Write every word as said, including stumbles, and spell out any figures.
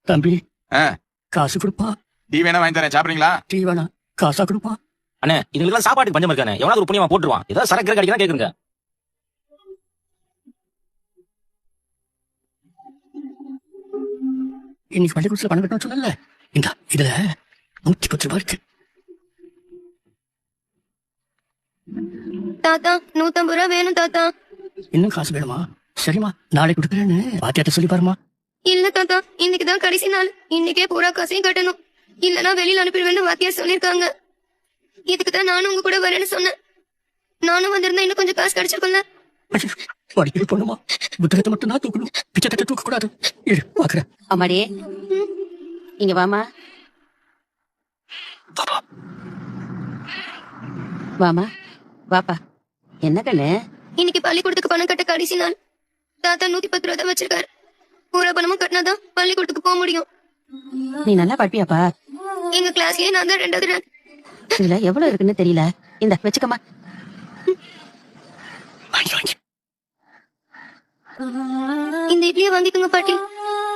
தம்பி ஆ, காசு கொடுப்பா. டீ வேணா வாங்கி தரேன், சாப்பிடுறீங்களா? டீ வேணா, காசா கொடுப்பா. அண்ணே இதுங்களுக்கு சாப்பாட்டுக்கு பஞ்சம் இருக்கானே, எவனாவது ஒரு புண்ணியமா போட்டுருவான். ஏதாவது சரக்கு கடிக்கலாம் கேக்குங்க. இன்னைக்கு பள்ளிக்கூடத்துல பணம் கட்டணும் சொன்னல, இந்த இதுல நூத்தி பத்து ரூபாய் இருக்கு. தாத்தா நூத்தம்பது ரூபா வேணும் தாத்தா. இன்னும் காசு வேணுமா? சரிம்மா, நாளைக்கு கொடுக்குறேன்னு பாத்தியாட்ட சொல்லி பாருமா. இல்ல தாத்தா, இன்னைக்குதான் கடைசி நாள். இன்னைக்கே பூரா காசையும் கட்டணும், இல்லனா வெளியில அனுப்பிடுவேன்னு வாத்தியார் சொல்லிருக்காங்க. இதுக்குதான் நானும் உங்க கூட வரேன்னு சொன்னேன். நானும் வந்திருந்தா இன்னும் கொஞ்சம் காசு கிடைச்சிருக்கும்ல. படிக்கிற பொண்ணுமா, புத்தகத்தை மட்டும் நான் தூக்கணும், பிச்சை தட்ட தூக்க கூடாது. இரு பாக்குறேன். அம்மாடி இங்க வாமா. வாமா வாப்பா. என்ன கண்ணு? இன்னைக்கு பள்ளிக்கூடத்துக்கு பணம் கட்ட கடைசி நாள். தாத்தா நூத்தி பத்து ரூபா தான் வச்சிருக்காரு. பூரா பணமும் கட்டினாதான் பள்ளிக்கூடத்துக்கு போக முடியும். நீ நல்லா படிப்பியாப்பா? எங்க கிளாஸ்லயே நான் தான் ரெண்டாவது ரேங்க். இதுல எவ்வளவு இருக்குன்னு தெரியல. இந்த வச்சுக்கமா. வாங்கி வாங்கி இந்த இட்லியை வாங்கிக்கோங்க பாட்டி.